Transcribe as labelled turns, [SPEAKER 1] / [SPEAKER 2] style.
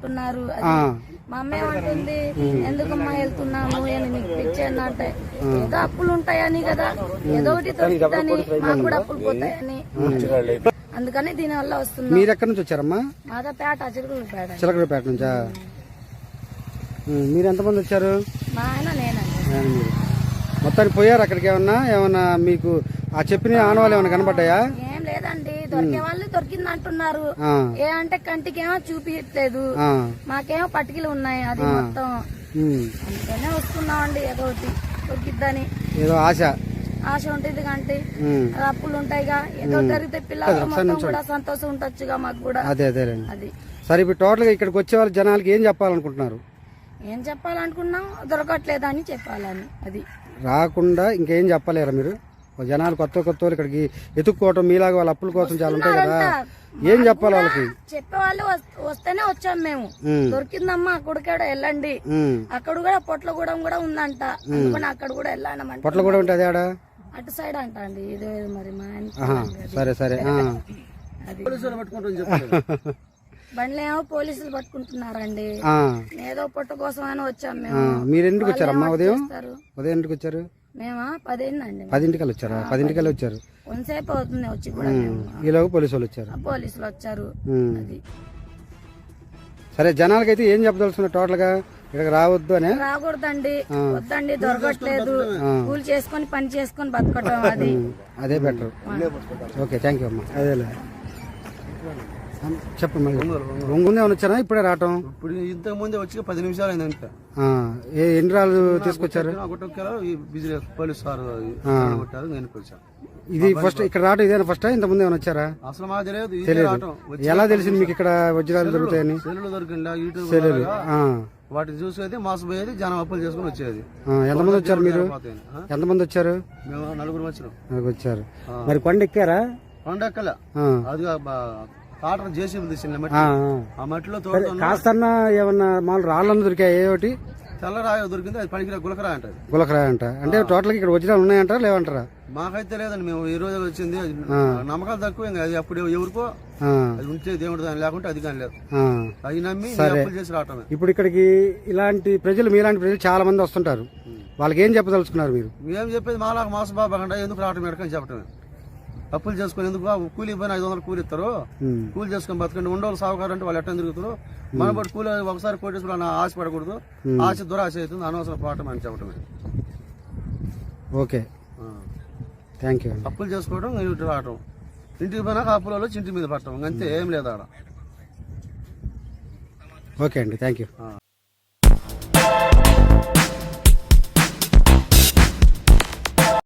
[SPEAKER 1] అంటున్నారు. మా అమ్మ ఏమంటుంది, ఎందుకమ్మా వెళ్తున్నాము నీకు పిచ్చేంది అంటే, ఏదో అప్పులు ఉంటాయని కదా, ఏదో ఒకటి దొరుకుతుందని, మాకు కూడా అప్పులు పోతాయని, అందుకని దీని వల్ల వస్తుంది.
[SPEAKER 2] మీరు ఎక్కడి నుంచి వచ్చారమ్మా?
[SPEAKER 1] మాదా పేట,
[SPEAKER 2] చిలకలపేట నుంచా? మీరు ఎంతమంది వచ్చారు?
[SPEAKER 1] మా ఆయన నేనండి.
[SPEAKER 2] మొత్తానికి పోయారు అక్కడికి? ఏమన్నా మీకు ఆ చెప్పిన ఆనవాళ్ళు ఏమైనా కనబడ్డాయా?
[SPEAKER 1] ఏం లేదండి, దొరికే వాళ్ళు దొరికింది అంటున్నారు. ఏ అంటే కంటికేమో చూపించట్లేదు, మాకేమో పట్టికలు ఉన్నాయి, అది మొత్తం. అందుకనే వస్తున్నామండి, ఏదో ఒకటి దొరికిద్దని
[SPEAKER 2] ఏదో ఆశ
[SPEAKER 1] ఉంటుంది. కంటి అప్పులు ఉంటాయిగా, ఏదో జరిగితే పిల్లలు మొత్తం కూడా సంతోషం ఉండొచ్చుగా మాకు కూడా.
[SPEAKER 2] అదే అది. సరే, ఇప్పుడు టోటల్ గా ఇక్కడికి వచ్చే వాళ్ళ జనాలకి ఏం చెప్పాలనుకుంటున్నారు?
[SPEAKER 1] ఏం చెప్పాలనుకున్నాం, దొరకట్లేదని చెప్పాలని. అది
[SPEAKER 2] రాకుండా ఇంకేం చెప్పలేరా మీరు? జనాలు కొత్త వాళ్ళు ఇక్కడికి ఎత్తుక్కోవటం మీలాగా వాళ్ళ అప్పుల కోసం చాలా ఉంటాయి కదా, ఏం చెప్పాలి వాళ్ళకి?
[SPEAKER 1] చెప్పేవాళ్ళు వస్తేనే వచ్చాం మేము. దొరికిందమ్మా అక్కడికాడ వెళ్ళండి, అక్కడ కూడా పొట్లగూడెం కూడా ఉందంట, అందుకని అక్కడ కూడా వెళ్ళానమంట.
[SPEAKER 2] పొట్లగూడెం అంటే అదే
[SPEAKER 1] అటు సైడ్ అంట అండి, ఇదే మరి మా
[SPEAKER 2] సరే
[SPEAKER 1] అది బండ్లు ఏమో పోలీసులు పట్టుకుంటున్నారండి. ఏదో పొట్ట కోసం అని వచ్చాం మేము.
[SPEAKER 2] మీరు ఎందుకు వచ్చారమ్మా? ఉదయం ఎందుకు వచ్చారు?
[SPEAKER 1] మేమా 10 అయిందండి.
[SPEAKER 2] 10ంటికల్లా వచ్చారా? 10ంటికల్లా వచ్చారు.
[SPEAKER 1] కొంతసేపు అవుతుంది వచ్చి కూడా.
[SPEAKER 2] ఈలోగా పోలీసులు వచ్చారు.
[SPEAKER 1] అది
[SPEAKER 2] సరే, జనాలకైతే ఏం చెప్పదలుచుకున్నారు టోటల్ గా? ఇక్కడ రావద్దు అని?
[SPEAKER 1] రాకూడదండి, వద్దండి, దొరకట్లేదు, కూలి చేసుకొని పని చేసుకొని బతకటం, అది
[SPEAKER 2] అదే బెటర్. ఓకే, థ్యాంక్ యూ అమ్మా. అదేలే చెప్పండి. ఒంగుందే వచ్చారా? ఇప్పుడే రావటం?
[SPEAKER 3] ఇప్పుడు ఇంతకు ముందే వచ్చి 10 నిమిషాలు అయిందంట.
[SPEAKER 2] ఎన్ని రాళ్ళు తీసుకొచ్చారు?
[SPEAKER 3] పోలీసు సార్
[SPEAKER 2] ఇది ఫస్ట్ ఇక్కడ రావటం ఇదేనా ఫస్ట్? ఇంత ముందు ఏమైనా వచ్చారా?
[SPEAKER 3] అసలు మాకు తెలియదు.
[SPEAKER 2] ఎలా తెలిసింది మీకు ఇక్కడ వజ్రాలు దొరుకుతాయని?
[SPEAKER 3] సెల్లులు దొరికిందా, యూట్యూబ్ వాటిని చూసేది, మోసపోయేది, జనం అప్పులు చేసుకుని వచ్చేది.
[SPEAKER 2] ఎంతమంది వచ్చారు మీరు? ఎంతమంది వచ్చారు?
[SPEAKER 3] మేము 4
[SPEAKER 2] వచ్చారు. మరి కొండ ఎక్కారా?
[SPEAKER 3] కొండ ఎక్కలే, అది కాటర్ జేసీబీ తీసిన ఆ మట్టిలో
[SPEAKER 2] కాస్తన్నా ఏమన్నా మామూలు రాళ్ళను దొరికాయి? ఏమిటి
[SPEAKER 3] తెల్లరాయ దొరికింది, అది పనికి గులకరాయ అంట.
[SPEAKER 2] గులకరాయ అంట అంటే టోటల్ ఇక్కడ వజ్రాలు ఉన్నాయంటారా లేవంటారా?
[SPEAKER 3] మాకైతే లేదండి, మేము ఈ రోజు వచ్చింది. నమ్మకాలు తక్కువ, ఇంకా అది అప్పుడు ఎవరికో అది ఉంటే దేవుడు దాని లేకుంటే అది కానీ లేదు, అది నమ్మి అప్పులు చేసి రావటమే.
[SPEAKER 2] ఇప్పుడు ఇక్కడికి ఇలాంటి ప్రజలు, మీలాంటి ప్రజలు చాలా మంది వస్తుంటారు, వాళ్ళకి ఏం చెప్పదలుచుకున్నారు మీరు?
[SPEAKER 3] మేము చెప్పేది మాలాగా మోసబాబా ఎందుకు రావటం ఎడకని చెప్పటమే. అప్పులు చేసుకుని ఎందుకు? కూలి పోయిన 500 కూలి ఇస్తారు, కూలి చేసుకుని బతకండి. ఉండవాళ్ళు సాగుకారు అంటే వాళ్ళు ఎట్లా తిరుగుతారు? మన బట్టి కూలి ఒకసారి కోటేశ్వరం ఆశ పడకూడదు, ఆశ దురాశ అవుతుంది, అనవసరం పోవటం అని చెప్పటమే.
[SPEAKER 2] Okay, thank you.
[SPEAKER 3] అప్పులు చేసుకోవడం, ఇంటి రావటం, ఇంటికి పోయినాక అప్పులలో ఇంటి మీద పట్టడం, అంతే, ఏం లేదు ఆడ.
[SPEAKER 2] ఓకే అండి, థ్యాంక్ యూ.